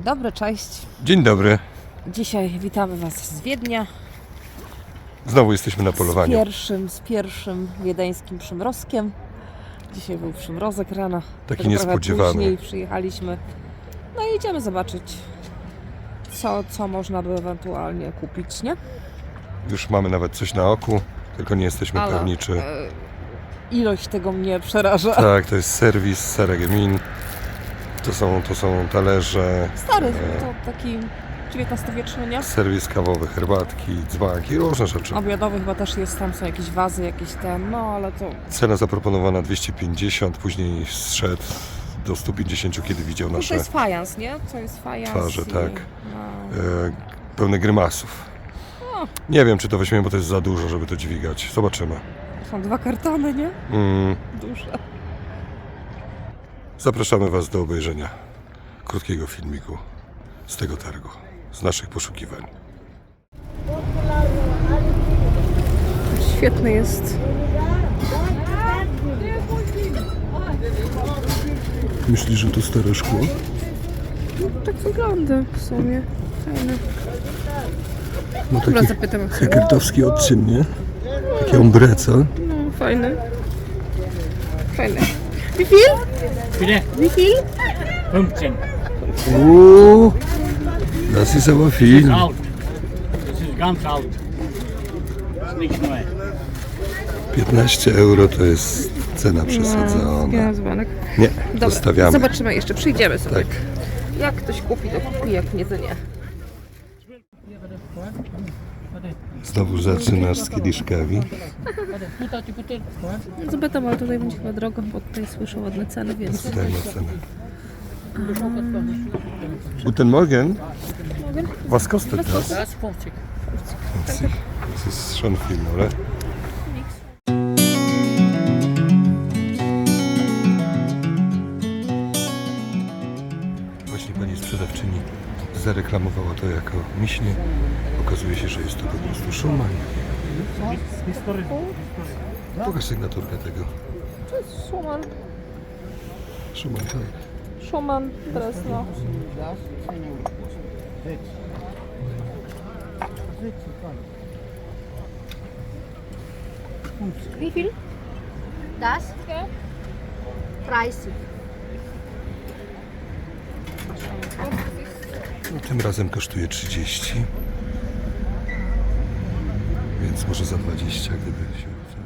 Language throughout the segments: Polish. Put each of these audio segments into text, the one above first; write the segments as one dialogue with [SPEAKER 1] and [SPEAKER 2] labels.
[SPEAKER 1] dobry, cześć.
[SPEAKER 2] Dzień dobry.
[SPEAKER 1] Dzisiaj witamy Was z Wiednia.
[SPEAKER 2] Znowu jesteśmy na polowaniu.
[SPEAKER 1] Z pierwszym wiedeńskim przymrozkiem. Dzisiaj był przymrozek rano.
[SPEAKER 2] Taki niespodziewany.
[SPEAKER 1] Później przyjechaliśmy. No i idziemy zobaczyć, co można by ewentualnie kupić, nie?
[SPEAKER 2] Już mamy nawet coś na oku, tylko nie jesteśmy pewni, czy...
[SPEAKER 1] Ilość tego mnie przeraża.
[SPEAKER 2] Tak, to jest serwis Seregemin. To są talerze.
[SPEAKER 1] Stary, to taki XIX-wieczny, nie?
[SPEAKER 2] Serwis kawowy, herbatki, dzbanki, różne rzeczy.
[SPEAKER 1] Obiadowy chyba też jest, tam są jakieś wazy, jakieś no ale to...
[SPEAKER 2] Cena zaproponowana 250, później zszedł do 150, kiedy widział
[SPEAKER 1] To
[SPEAKER 2] nasze
[SPEAKER 1] jest fajans, nie? To jest fajans.
[SPEAKER 2] twarze, tak.
[SPEAKER 1] No.
[SPEAKER 2] Pełne grymasów.
[SPEAKER 1] O.
[SPEAKER 2] Nie wiem, czy to weźmiemy, bo to jest za dużo, żeby to dźwigać. Zobaczymy.
[SPEAKER 1] Są 2 kartony, nie? Duże.
[SPEAKER 2] Zapraszamy Was do obejrzenia krótkiego filmiku z tego targu, z naszych poszukiwań.
[SPEAKER 1] Świetny jest.
[SPEAKER 2] Myślisz, że to stare szkło?
[SPEAKER 1] Tak wygląda w sumie. Fajne.
[SPEAKER 2] No
[SPEAKER 1] Dobra,
[SPEAKER 2] taki
[SPEAKER 1] zapytam.
[SPEAKER 2] hekertowski odcień, nie? Takie ombreca.
[SPEAKER 1] No, fajne. Fajne. Wie viel?
[SPEAKER 3] Bitte?
[SPEAKER 1] Wie viel?
[SPEAKER 3] 15.
[SPEAKER 2] Das ist aber viel.
[SPEAKER 3] Alt. Das ist ganz alt. Das ist nicht neu.
[SPEAKER 2] 15 euro to jest cena przesadzona.
[SPEAKER 1] Dzwonek.
[SPEAKER 2] Nie,
[SPEAKER 1] Dobra,
[SPEAKER 2] zostawiamy.
[SPEAKER 1] zobaczymy jeszcze, przyjdziemy sobie.
[SPEAKER 2] Tak.
[SPEAKER 1] Jak ktoś kupi, to kupi, jak nie, to nie.
[SPEAKER 2] Znowu zaczynasz z kieliszkami.
[SPEAKER 1] Zobaczymy, ale tutaj będzie chyba drogo, bo tutaj słyszę ładne ceny, więc...
[SPEAKER 2] Dajmy cenę. Guten Morgen. Was kostet das?
[SPEAKER 3] Das ist 50.
[SPEAKER 2] Das ist schon viel, oder? Właśnie pani sprzedawczyni zareklamowała to jako miśnie. Okazuje się, że jest to po prostu Schumann. Pokaż sygnaturkę tego.
[SPEAKER 1] To jest Schumann.
[SPEAKER 2] Schumann, tak.
[SPEAKER 1] Schumann, Breslau. Wie viel?
[SPEAKER 4] Das?
[SPEAKER 1] Ja.
[SPEAKER 4] 30.
[SPEAKER 2] No, tym razem kosztuje 30. Więc może za 20, gdyby się uda.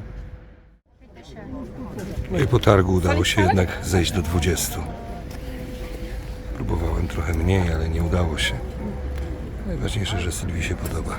[SPEAKER 2] No i po targu udało się jednak zejść do 20. Próbowałem trochę mniej, ale nie udało się. Najważniejsze, że Sylwii się podoba.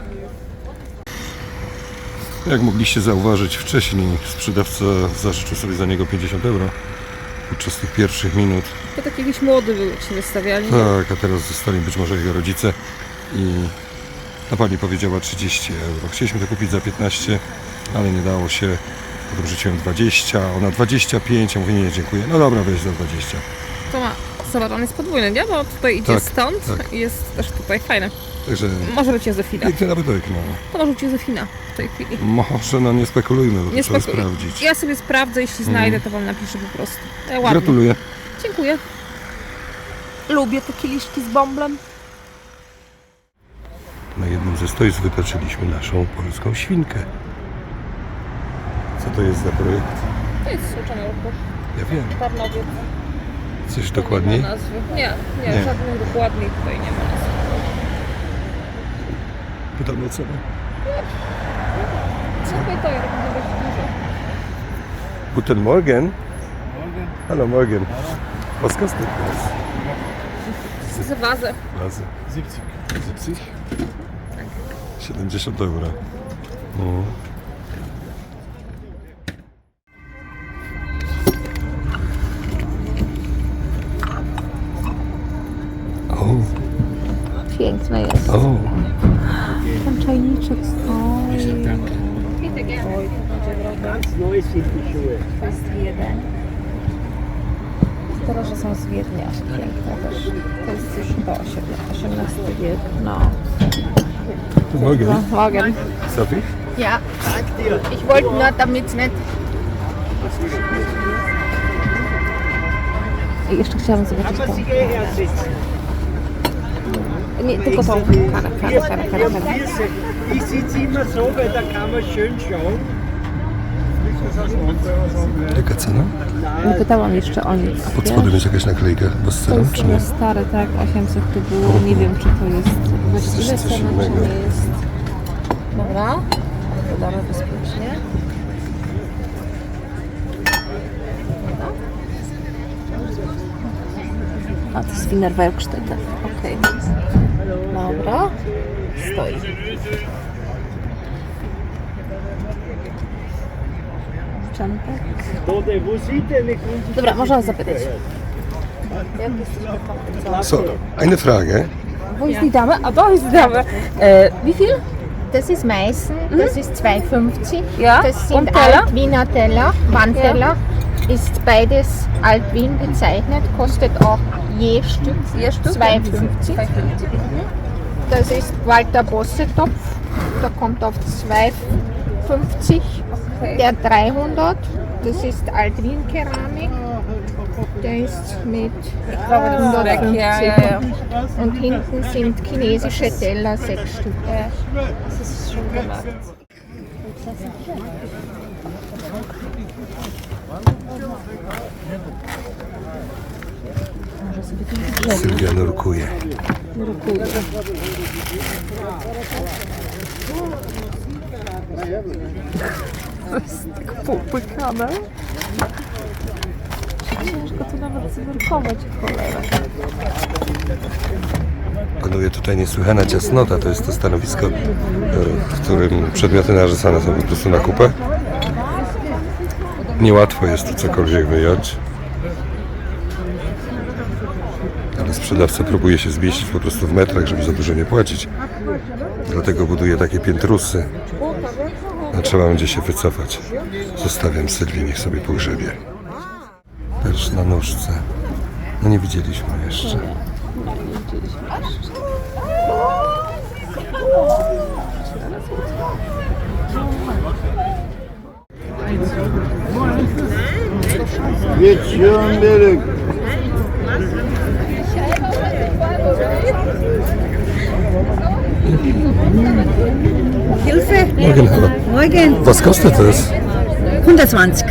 [SPEAKER 2] Jak mogliście zauważyć wcześniej, sprzedawca zażyczył sobie za niego 50 euro podczas tych pierwszych minut.
[SPEAKER 1] To tak jakiś młody był, jak się wystawiali.
[SPEAKER 2] Tak, a teraz zostali być może jego rodzice i ta pani powiedziała 30 euro. Chcieliśmy to kupić za 15, ale nie dało się. Potem rzuciłem 20, ona 25, ja mówię nie, dziękuję. No dobra, weź za 20.
[SPEAKER 1] To ma, zobacz, on jest podwójny, nie? Bo tutaj idzie
[SPEAKER 2] Tak,
[SPEAKER 1] stąd
[SPEAKER 2] tak.
[SPEAKER 1] i jest też tutaj fajne.
[SPEAKER 2] Także
[SPEAKER 1] Może być Józefina.
[SPEAKER 2] piękny nabytek, no.
[SPEAKER 1] To może być Józefina w tej chwili.
[SPEAKER 2] Może, no nie spekulujmy, bo
[SPEAKER 1] Nie
[SPEAKER 2] to trzeba
[SPEAKER 1] spekuluj.
[SPEAKER 2] sprawdzić.
[SPEAKER 1] Ja sobie sprawdzę, jeśli znajdę, to wam napiszę po prostu. Ładnie.
[SPEAKER 2] Gratuluję.
[SPEAKER 1] Dziękuję. Lubię te kieliszki z bąblem.
[SPEAKER 2] Na jednym ze stoisk wypatrzyliśmy naszą polską świnkę. Co to jest za projekt?
[SPEAKER 1] To jest suczony ruch.
[SPEAKER 2] Ja wiem.
[SPEAKER 1] Tarnowiec.
[SPEAKER 2] Coś dokładniej?
[SPEAKER 1] Nie ma nazwy. Nie,
[SPEAKER 2] Nie.
[SPEAKER 1] żadnych dokładniej tutaj nie ma nazwy.
[SPEAKER 2] Pytam o cenę.
[SPEAKER 1] Słuchaj, to ja robię dość dużo.
[SPEAKER 2] Guten Morgen. Hallo Morgen. Was kostet das?
[SPEAKER 1] Za wazę.
[SPEAKER 2] Razy. 70. 70 euro. No. O,
[SPEAKER 1] Piękne jest.
[SPEAKER 2] o.
[SPEAKER 1] Ten czajniczek. Oj, to będzie drogo.
[SPEAKER 3] Ganz neu sind die Schuhe.
[SPEAKER 1] To jest jeden. Teraz, że są z Wiednia. Piękne też. To jest już chyba XVIII wiek. No.
[SPEAKER 2] Morgen.
[SPEAKER 1] Morgen.
[SPEAKER 2] Sophie?
[SPEAKER 4] Ja, ich wollte nur, damit es nicht
[SPEAKER 1] I jeszcze chciałam zobaczyć tą. Nie, tylko tą karę.
[SPEAKER 5] Ich sitze immer so, weil da kann man schön schauen.
[SPEAKER 2] Jaka cena?
[SPEAKER 1] Nie pytałam jeszcze o nic.
[SPEAKER 2] Pod spodem jest jakaś naklejka bez
[SPEAKER 1] To
[SPEAKER 2] celu,
[SPEAKER 1] jest
[SPEAKER 2] czy nie?
[SPEAKER 1] stare, tak, 800 to było. Nie wiem, czy to jest właściwe
[SPEAKER 2] coś
[SPEAKER 1] cena, czy
[SPEAKER 2] innego.
[SPEAKER 1] nie jest. Dobra, dodamy bezpiecznie. A, to jest Wiener Werkstätte. Okej. Dobra. Stoi. Czempek.
[SPEAKER 5] Wo sieht denn eine Kunst?
[SPEAKER 1] Dobra, można zapytać. Jak jesteś
[SPEAKER 2] So, eine Frage.
[SPEAKER 1] Wo ist die Dame? Ah, da ist die Dame. Wie viel?
[SPEAKER 4] Das ist Meißen, das ist 2,50.
[SPEAKER 1] Ja,
[SPEAKER 4] Das sind
[SPEAKER 1] und Teller?
[SPEAKER 4] Alt-Wiener Teller, Wandteller. Ist beides Alt-Wien bezeichnet, kostet auch je Stück, 2,50. Das ist Walter Bosse-Topf, der kommt auf 2,50. Der 300, das ist Alt-Wien-Keramik. Der ist mit 150.
[SPEAKER 1] ja.
[SPEAKER 4] Und hinten sind chinesische Teller, 6 Stück.
[SPEAKER 1] Das ist schon gemacht.
[SPEAKER 2] Sylwia nurkuje.
[SPEAKER 1] To jest tak popłykane. Ciężko tu nawet znurkować, cholera.
[SPEAKER 2] Panuje tutaj niesłychana ciasnota. To jest to stanowisko, w którym przedmioty narzucane są po prostu na kupę. Niełatwo jest tu cokolwiek wyjąć. Ale sprzedawca próbuje się zmieścić po prostu w metrach, żeby za dużo nie płacić. Dlatego buduje takie piętrusy. A trzeba będzie się wycofać. Zostawiam Sylwii, niech sobie pogrzebie. Też na nóżce. No nie widzieliśmy jeszcze.
[SPEAKER 5] Jetzt schon wieder.
[SPEAKER 6] Hilfe!
[SPEAKER 2] Morgen, hallo.
[SPEAKER 6] Morgen!
[SPEAKER 2] Was kostet das?
[SPEAKER 6] 120.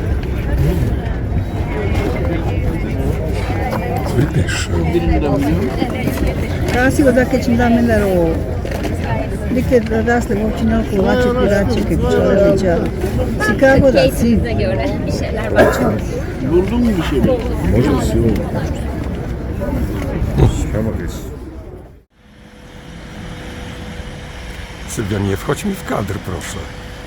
[SPEAKER 2] Wirklich schön.
[SPEAKER 6] Kasi da kad ćemo da menero. Neke da rasle općina Kovače, Pirače, Kepčovića. Chicago da si.
[SPEAKER 5] Buldun mu bir şey?
[SPEAKER 2] Sylwia, nie wchodź mi w kadr, proszę.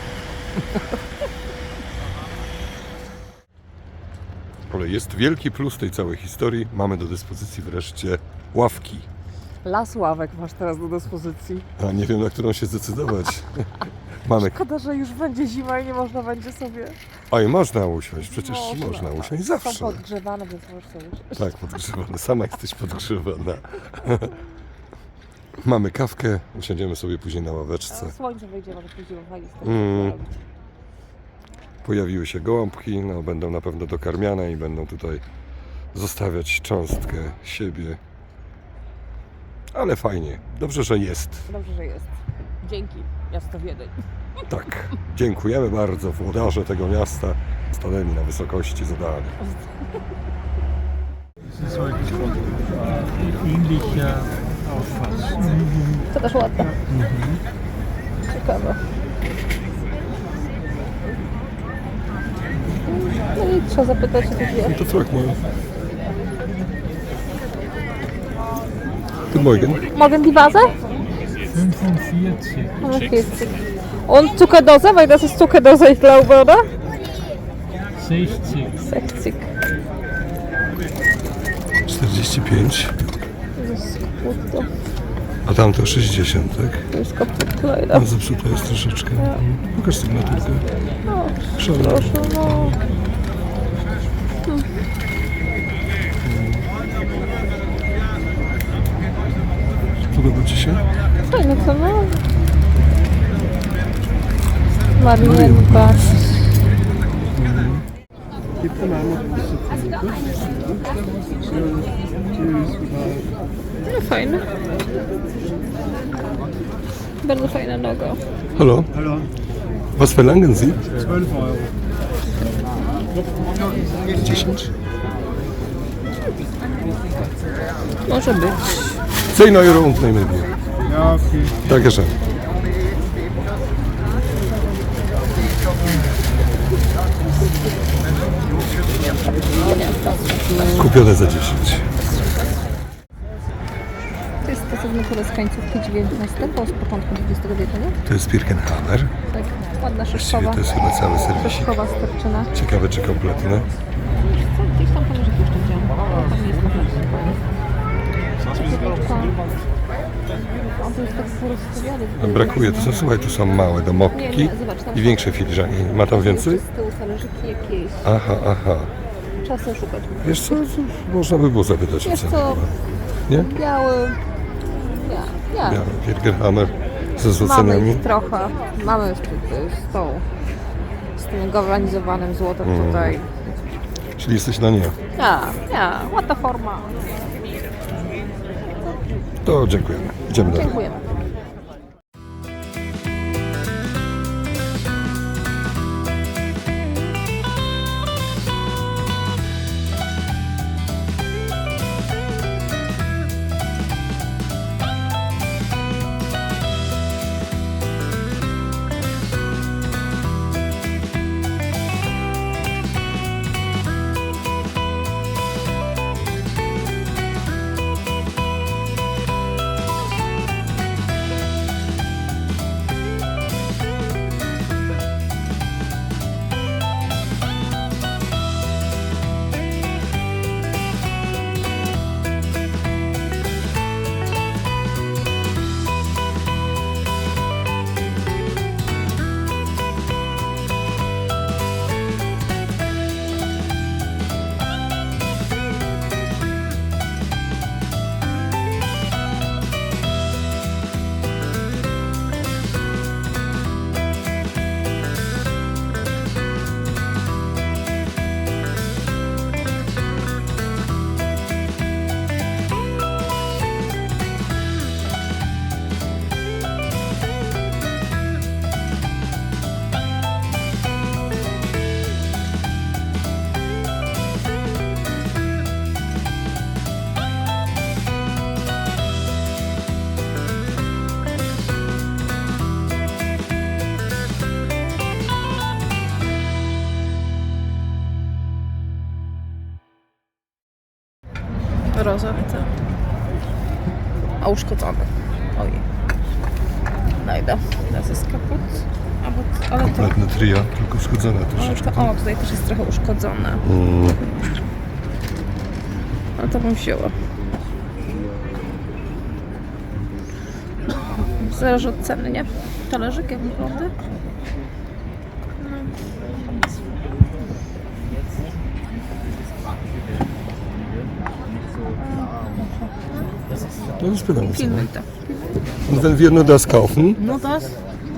[SPEAKER 2] Ale jest wielki plus tej całej historii. Mamy do dyspozycji wreszcie ławki.
[SPEAKER 1] Las ławek masz teraz do dyspozycji.
[SPEAKER 2] A nie wiem, na którą się zdecydować. Mamy.
[SPEAKER 1] Szkoda, że już będzie zima i nie można będzie sobie...
[SPEAKER 2] Oj, można usiąść, przecież można usiąść
[SPEAKER 1] Są
[SPEAKER 2] zawsze.
[SPEAKER 1] podgrzewane, więc możesz sobie usiąść.
[SPEAKER 2] Tak, podgrzewana. Sama jesteś podgrzewana. Mamy kawkę, usiądziemy sobie później na ławeczce.
[SPEAKER 1] Słońce wyjdzie, może później fajnie z
[SPEAKER 2] Pojawiły się gołąbki, no będą na pewno dokarmiane i będą tutaj zostawiać cząstkę siebie. Ale fajnie, dobrze, że jest.
[SPEAKER 1] Dobrze, że jest. Dzięki, miasto Wiedeń.
[SPEAKER 2] Tak, dziękujemy bardzo włodarze tego miasta. Stanęli na wysokości zadania.
[SPEAKER 3] Ähnlicher Auffassung.
[SPEAKER 1] To też ładne. Ciekawe. No i trzeba zapytać o takie...
[SPEAKER 2] No to frag mal. Guten Morgen.
[SPEAKER 1] Morgen die Vase?
[SPEAKER 3] 45.
[SPEAKER 1] 45. Und Zuckerdose, weil das ist Zuckerdose, ich glaube, oder?
[SPEAKER 3] 60.
[SPEAKER 1] 60.
[SPEAKER 2] 45,
[SPEAKER 1] Das ist kaputt.
[SPEAKER 2] a tamto 60, tak?
[SPEAKER 1] To jest kaputt, leider.
[SPEAKER 2] No zepsuta jest troszeczkę. Pokaż sygnaturkę.
[SPEAKER 1] No,
[SPEAKER 2] Szalone.
[SPEAKER 1] proszę, no.
[SPEAKER 2] Podoba Ci się?
[SPEAKER 1] Fajne to, no. Marienbad.
[SPEAKER 5] Gibt es auch noch ein bisschen Versuche?
[SPEAKER 1] No fajne. Bardzo fajna noga.
[SPEAKER 2] Hallo?
[SPEAKER 5] Hallo,
[SPEAKER 2] Was verlangen Sie?
[SPEAKER 5] 12 Euro.
[SPEAKER 2] 10.
[SPEAKER 1] Może być.
[SPEAKER 2] 10 Euro und nehmen wir.
[SPEAKER 5] Ja, okay.
[SPEAKER 2] Dankeschön. Kupione za 10.
[SPEAKER 1] To jest stosowny z końcówki XIX, z początku XX wieku, nie?
[SPEAKER 2] To jest Birkenhammer.
[SPEAKER 1] Tak, ładna
[SPEAKER 2] Właściwie
[SPEAKER 1] szyszkowa.
[SPEAKER 2] to jest chyba cały serwisik.
[SPEAKER 1] Szyszkowa sterczyna.
[SPEAKER 2] Ciekawe czy kompletne.
[SPEAKER 1] Co? Gdzieś tam talerzyki jeszcze widziałam. Tam nie jest kompletnie. On to jest tak porozstawiony.
[SPEAKER 2] Brakuje, to są, słuchaj, tu są małe domowki
[SPEAKER 1] zobacz, tam
[SPEAKER 2] i większe filiżanki. Ma tam więcej?
[SPEAKER 1] Z tyłu talerzyki jakieś.
[SPEAKER 2] Aha, aha.
[SPEAKER 1] Trzeba sobie szukać.
[SPEAKER 2] Wiesz co, można by było zapytać o
[SPEAKER 1] Wiesz
[SPEAKER 2] cenę.
[SPEAKER 1] co,
[SPEAKER 2] Nie?
[SPEAKER 1] biały... Nie.
[SPEAKER 2] Ja, Birkenhammer ze
[SPEAKER 1] Mamy
[SPEAKER 2] złocenami.
[SPEAKER 1] ich trochę. Mamy z tym galwanizowanym złotem tutaj.
[SPEAKER 2] Czyli jesteś na nie.
[SPEAKER 1] Nie, ładna forma.
[SPEAKER 2] To dziękujemy. Idziemy dalej.
[SPEAKER 1] Dziękujemy. Rozorce. A uszkodzony. Oj. Najda. Das jest kaput. Ale to...
[SPEAKER 2] Kompletne trio, tylko uszkodzone troszeczkę.
[SPEAKER 1] O, tutaj też jest trochę uszkodzone. Ale to bym wzięła. Zależy od ceny, nie? Talerzyk jak wygląda?
[SPEAKER 2] No spytam sobie.
[SPEAKER 1] Pilnuj to.
[SPEAKER 2] Und wenn wir nur das kaufen,
[SPEAKER 5] Nur das?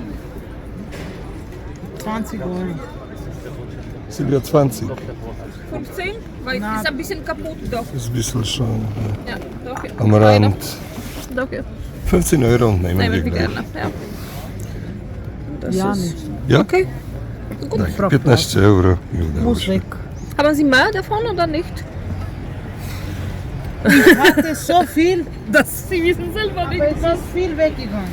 [SPEAKER 5] 20 Euro.
[SPEAKER 2] Silvia 20.
[SPEAKER 1] 15? Weil es ist ein bisschen kaputt doch.
[SPEAKER 2] Ist ein bisschen schon
[SPEAKER 1] Ja, doch. Ja.
[SPEAKER 2] am Rand.
[SPEAKER 1] Doch, ja.
[SPEAKER 2] 15 Euro und nehmen
[SPEAKER 1] Nehmen
[SPEAKER 2] wir
[SPEAKER 1] wir
[SPEAKER 2] gleich.
[SPEAKER 1] gerne. Ja. Das
[SPEAKER 5] Ja,
[SPEAKER 1] ist...
[SPEAKER 5] nicht.
[SPEAKER 2] Ja?
[SPEAKER 1] Okay. Gut.
[SPEAKER 2] Tak, 15 euro i udało
[SPEAKER 5] Muss
[SPEAKER 2] się.
[SPEAKER 5] weg.
[SPEAKER 1] Haben Sie mehr davon oder nicht?
[SPEAKER 5] Hatte so viel,
[SPEAKER 1] Das Sie wissen selber nicht.
[SPEAKER 5] aber es ist viel weggegangen.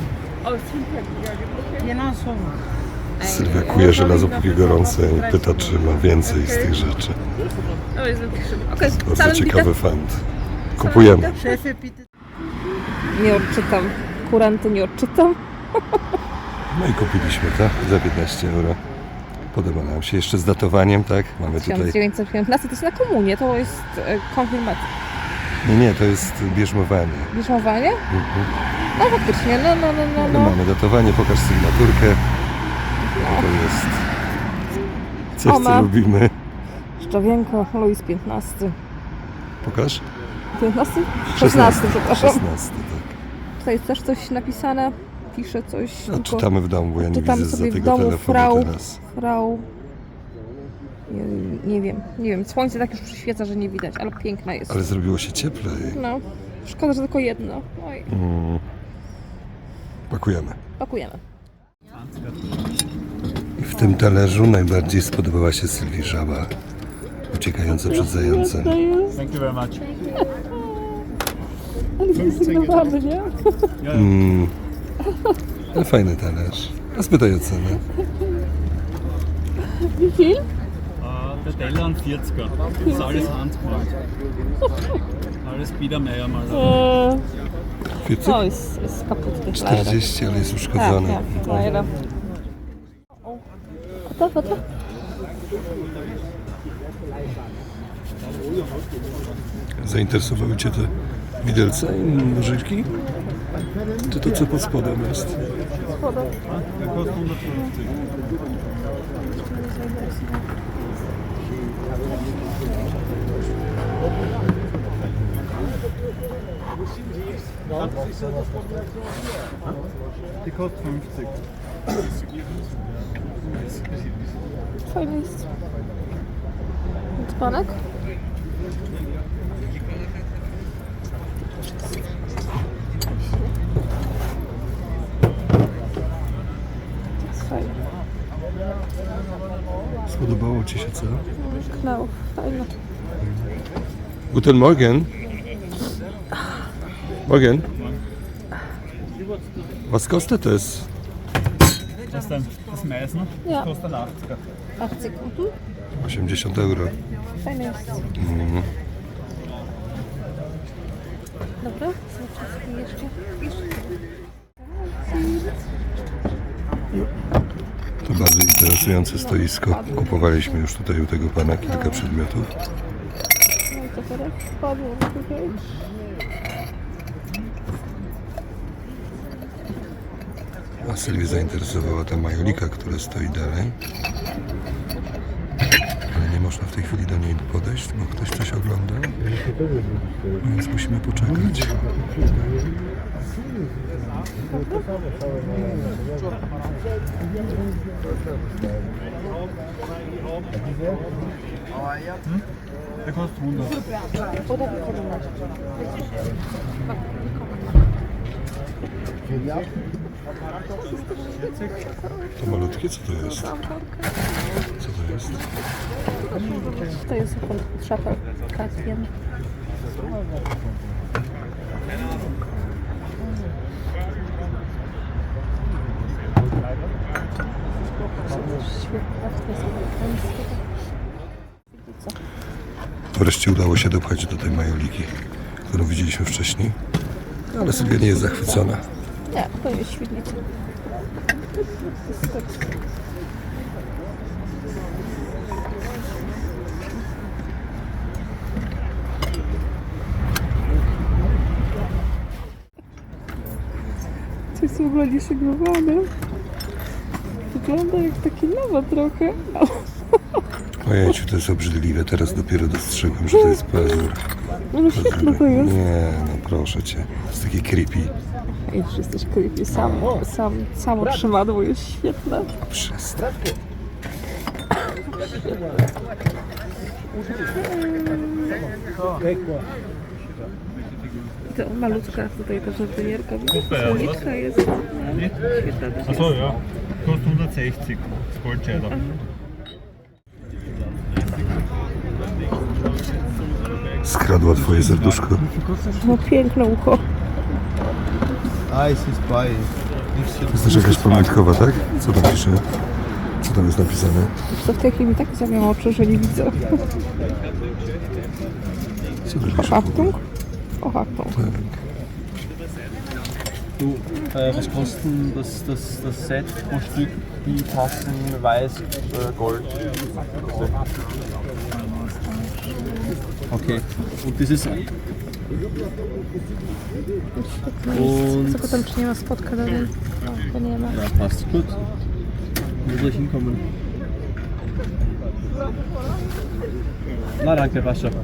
[SPEAKER 5] Genau so.
[SPEAKER 2] Sylwia kuje żelazo póki gorące i pyta, czy ma więcej z tych rzeczy.
[SPEAKER 1] Oh, jest wirklich schön. Okay,
[SPEAKER 2] Bardzo
[SPEAKER 1] zahlen
[SPEAKER 2] ciekawy
[SPEAKER 1] bitte.
[SPEAKER 2] fant. Kupujemy.
[SPEAKER 5] Chefie, bitte.
[SPEAKER 1] Nie odczytam. Kurenty nie odczytam.
[SPEAKER 2] No i kupiliśmy, tak? Za 15 euro. Podoba nam się. Jeszcze z datowaniem, tak? Mamy tutaj...
[SPEAKER 1] 1915 to jest na komunie, to jest konfirmacja.
[SPEAKER 2] Nie, to jest bierzmowanie.
[SPEAKER 1] Bierzmowanie? No faktycznie,
[SPEAKER 2] No mamy datowanie, pokaż sygnaturkę. To jest coś,
[SPEAKER 1] Oma.
[SPEAKER 2] co lubimy.
[SPEAKER 1] Szczawienko, Louis XV.
[SPEAKER 2] Pokaż.
[SPEAKER 1] 15? 16, przepraszam.
[SPEAKER 2] 16, tak.
[SPEAKER 1] Tutaj jest też coś napisane, pisze coś.
[SPEAKER 2] No,
[SPEAKER 1] tylko
[SPEAKER 2] czytamy w domu, bo ja nie
[SPEAKER 1] czytamy
[SPEAKER 2] widzę za
[SPEAKER 1] sobie w
[SPEAKER 2] tego
[SPEAKER 1] domu
[SPEAKER 2] telefonu
[SPEAKER 1] Frau.
[SPEAKER 2] teraz.
[SPEAKER 1] Frau. Nie wiem. Słońce tak już przyświeca, że nie widać, ale piękna jest.
[SPEAKER 2] Ale zrobiło się cieplej.
[SPEAKER 1] No, szkoda, że tylko jedno. Oj,
[SPEAKER 2] Pakujemy.
[SPEAKER 1] pakujemy.
[SPEAKER 2] I w tym talerzu najbardziej spodobała się Sylwii żaba, uciekająca przed zającem.
[SPEAKER 3] Thank you very much.
[SPEAKER 1] Ale zrezygnowany, nie?
[SPEAKER 2] No, fajny talerz. A spytaj o cenę.
[SPEAKER 1] Wie viel?
[SPEAKER 3] Der Teller ein 40er. Das ist alles handgemacht. Alles Biedermeier mal.
[SPEAKER 2] Wiecie?
[SPEAKER 1] O, jest kaputny. leider.
[SPEAKER 2] 40, ale jest
[SPEAKER 1] Tak,
[SPEAKER 2] uszkodzony.
[SPEAKER 1] tak, leider. Warte.
[SPEAKER 2] Zainteresowały Cię te widelce i nożyczki? Czy to co pod spodem jest?
[SPEAKER 3] Die kostet 50.
[SPEAKER 1] Fajny jest. Dzbanek? Jest fajny.
[SPEAKER 2] Spodobało Ci się co?
[SPEAKER 1] Knał. Fajny.
[SPEAKER 2] Guten Morgen. Morgen. Was kostet es?
[SPEAKER 3] Das ist dann das Meißen.
[SPEAKER 1] Ja.
[SPEAKER 3] Das kostet 80er.
[SPEAKER 1] 80.
[SPEAKER 2] 80 euro.
[SPEAKER 1] Fajny jest. Dobra, zobaczmy jeszcze.
[SPEAKER 2] To bardzo interesujące stoisko. Kupowaliśmy już tutaj u tego pana kilka przedmiotów.
[SPEAKER 1] No i co teraz? Padło tutaj.
[SPEAKER 2] A Sylwię zainteresowała ta majolika, która stoi dalej. Ale nie można w tej chwili do niej podejść, bo ktoś coś ogląda. Więc musimy poczekać.
[SPEAKER 3] Der kostet 100.
[SPEAKER 2] To malutkie, co to jest? Co to jest?
[SPEAKER 1] To jest szafę Kasjen.
[SPEAKER 2] Wreszcie udało się dopchać do tej majoliki, którą widzieliśmy wcześniej. Ale Sylwia nie jest zachwycona.
[SPEAKER 1] Nie, to jest świetlica. To jest w ogóle nieszygowane. Wygląda jak takie nowe trochę.
[SPEAKER 2] Ojejciu, to jest obrzydliwe. Teraz dopiero dostrzegłem, że to jest pazur.
[SPEAKER 1] No świetne to jest.
[SPEAKER 2] Nie, no proszę Cię. To jest takie creepy.
[SPEAKER 1] Ej, że jesteś creepy. Samo trzymadło jest świetne.
[SPEAKER 2] Przestań.
[SPEAKER 1] To malutka tutaj ta żartynierka. Słoniczka jest. Świetna też.
[SPEAKER 3] Achso, ja. Kostet 160. Das Goldscheider.
[SPEAKER 2] Skradła Twoje serduszko.
[SPEAKER 1] No piękne ucho.
[SPEAKER 2] To jest też jakaś pamiątkowa, tak? Co tam pisze? Co tam jest napisane?
[SPEAKER 1] To w tej chwili mi tak zamiał oczy, że nie widzę.
[SPEAKER 2] Co tu pisze?
[SPEAKER 1] Achtung? O, Achtung.
[SPEAKER 7] Du, was kostet denn das Set pro Stück, die Tassen weiß, Gold? Okay, und das ist...
[SPEAKER 1] Co potem czy nie ma spotka dalej? O, to nie ma.
[SPEAKER 7] Ja, passt gut. Wo soll ich hinkommen? Na, danke, passt schon.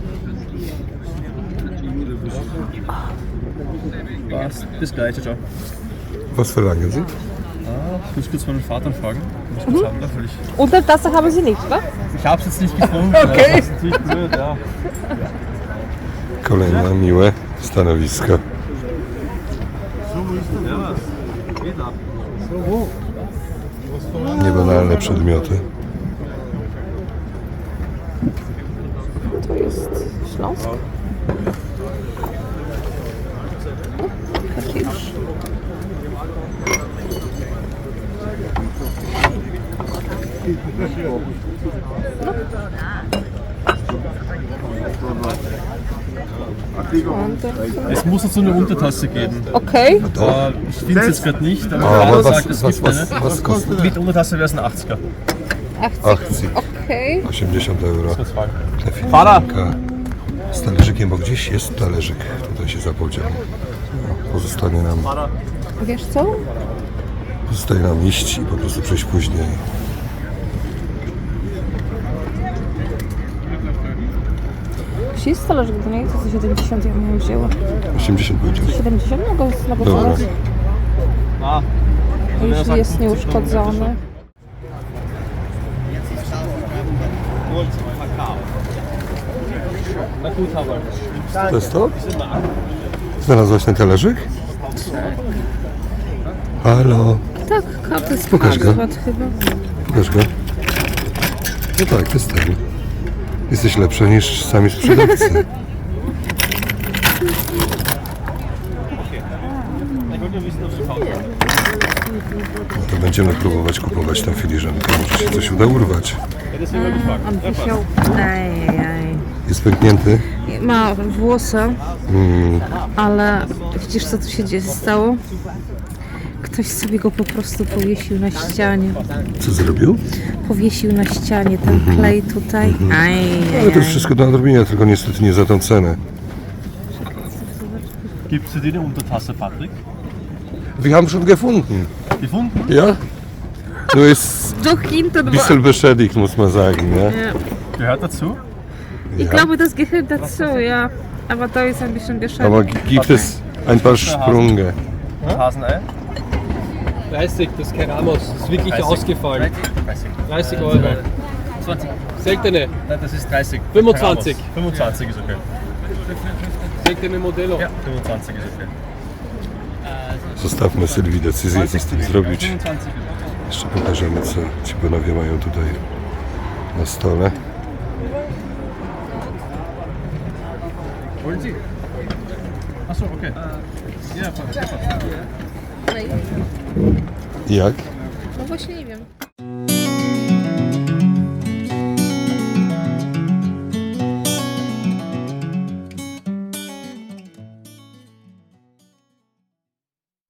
[SPEAKER 7] Passt, das gleiche, ciao.
[SPEAKER 2] Was verlangen Sie?
[SPEAKER 7] Ich muss kurz meinen Vater fragen, was ich haben darf, weil ich...
[SPEAKER 1] Unter Tasse haben Sie nicht, wa?
[SPEAKER 7] Ich hab's jetzt nicht gefunden. Okay. Das ist natürlich blöd, ja.
[SPEAKER 2] Kolejne miłe stanowisko. Niebanalne przedmioty.
[SPEAKER 1] To jest Śląsk. Kakisz.
[SPEAKER 7] Es muss dazu eine Untertasse geben.
[SPEAKER 1] Okay.
[SPEAKER 7] Ich finde es jetzt gerade nicht, aber
[SPEAKER 2] Aber
[SPEAKER 7] Frau
[SPEAKER 2] was,
[SPEAKER 7] sagt, es
[SPEAKER 2] was,
[SPEAKER 7] gibt
[SPEAKER 2] was,
[SPEAKER 7] eine.
[SPEAKER 2] was kostet?
[SPEAKER 7] Mit Untertasse wäre es ein 80er.
[SPEAKER 2] 80.
[SPEAKER 1] Okay.
[SPEAKER 2] 80 euro.
[SPEAKER 7] Das war's.
[SPEAKER 2] Ta filiżanka z talerzykiem, bo gdzieś jest talerzyk. Tutaj się zapodział. No,
[SPEAKER 1] Wiesz co?
[SPEAKER 2] pozostaje nam iść i po prostu przejść później.
[SPEAKER 1] Jeśli jest talerzyk do niej, to za 70 ja bym ją wzięła.
[SPEAKER 2] 80 powiedział.
[SPEAKER 1] 70 mogę na
[SPEAKER 2] Dobra.
[SPEAKER 1] gotowość.
[SPEAKER 7] Ah,
[SPEAKER 1] Jeśli jest nieuszkodzony.
[SPEAKER 7] na gut, aber.
[SPEAKER 2] To jest to? Znalazłaś ten talerzyk? Halo,
[SPEAKER 1] Tak, karty z
[SPEAKER 2] Pokaż go.
[SPEAKER 1] Carlsbad chyba.
[SPEAKER 2] pokaż go. No tak, to jest ten. Jesteś lepsza niż sami sprzedawcy. No to będziemy próbować kupować tę filiżankę. Może się coś uda urwać.
[SPEAKER 1] On wisiał. Ajajaj.
[SPEAKER 2] Jest pęknięty.
[SPEAKER 1] Ma włosy, ale widzisz co tu się stało? Ktoś sobie go po prostu powiesił na ścianie.
[SPEAKER 2] Co zrobił?
[SPEAKER 1] Powiesił na ścianie ten klej tutaj.
[SPEAKER 2] Ale to jest wszystko do nadrobienia, tylko niestety nie za tą cenę.
[SPEAKER 7] Gibt es dir eine Untertasse, Patrick?
[SPEAKER 2] Wir haben schon gefunden.
[SPEAKER 7] Gefunden?
[SPEAKER 2] Ja? Nur ist
[SPEAKER 1] Doch hinten
[SPEAKER 2] ein bisschen beschädigt, muss man sagen. Ja?
[SPEAKER 7] Gehört dazu?
[SPEAKER 1] Ich glaube, das gehört dazu, ja. Aber da ist ein bisschen
[SPEAKER 2] Aber
[SPEAKER 1] beschädigt.
[SPEAKER 2] gibt es ein paar Sprünge?
[SPEAKER 7] Hasenei?
[SPEAKER 8] 30, das ist kein Ramos, das ist wirklich
[SPEAKER 7] 30.
[SPEAKER 8] ausgefallen.
[SPEAKER 7] 30.
[SPEAKER 8] 30 Euro.
[SPEAKER 7] 20.
[SPEAKER 8] Seltene,
[SPEAKER 7] Nein, das ist 30.
[SPEAKER 8] 25.
[SPEAKER 7] 25 ist okay.
[SPEAKER 8] seltene Modello.
[SPEAKER 7] Ja, 25 ist okay.
[SPEAKER 2] Zostawmy Sylwii decyzję, co z tym zrobić.
[SPEAKER 7] 25 ist okay.
[SPEAKER 2] Jeszcze pokażemy, co ci panowie mają tutaj na stole.
[SPEAKER 7] Wollen Sie? Achso, okay. Ja,
[SPEAKER 2] Jak?
[SPEAKER 1] No właśnie nie wiem.